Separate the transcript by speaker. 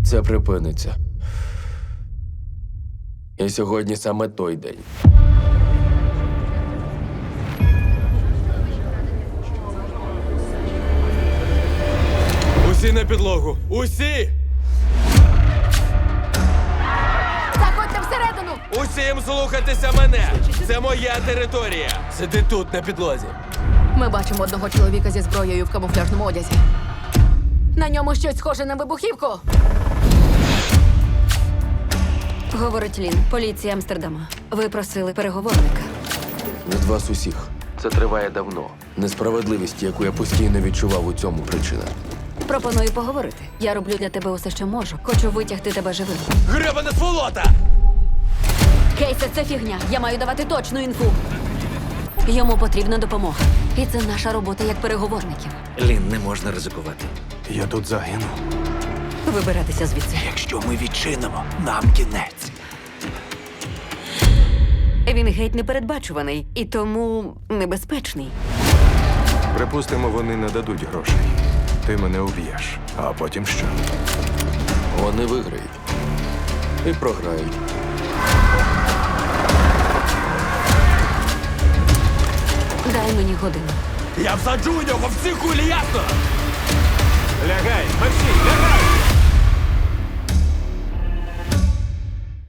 Speaker 1: Це припиниться. І сьогодні саме той день.
Speaker 2: Усі на підлогу! Усі!
Speaker 3: Заходьте всередину!
Speaker 2: Усім слухатися мене! Це моя територія! Сиди тут, на підлозі.
Speaker 3: Ми бачимо одного чоловіка зі зброєю в камуфляжному одязі. На ньому щось схоже на вибухівку.
Speaker 4: Говорить Лін, поліція Амстердама. Ви просили переговорника.
Speaker 1: Від вас усіх. Це триває давно. Несправедливість, яку я постійно відчував, у цьому причина.
Speaker 4: Пропоную поговорити. Я роблю для тебе усе, що можу. Хочу витягти тебе живим.
Speaker 2: Гребана сволота!
Speaker 4: Кейсе, це фігня. Я маю давати точну інфу. Йому потрібна допомога. І це наша робота як переговорників.
Speaker 5: Лін, не можна ризикувати.
Speaker 6: Я тут загину.
Speaker 4: Вибиратися звідси.
Speaker 6: Якщо ми відчинимо, нам кінець.
Speaker 4: Він геть непередбачуваний і тому небезпечний.
Speaker 6: Припустимо, вони не дадуть грошей. Ти мене уб'єш. А потім що?
Speaker 1: Вони виграють. І програють.
Speaker 4: Дай мені годину.
Speaker 2: Я всаджу у нього всі кулі, ясно?
Speaker 6: Лягай, Максим, лягай!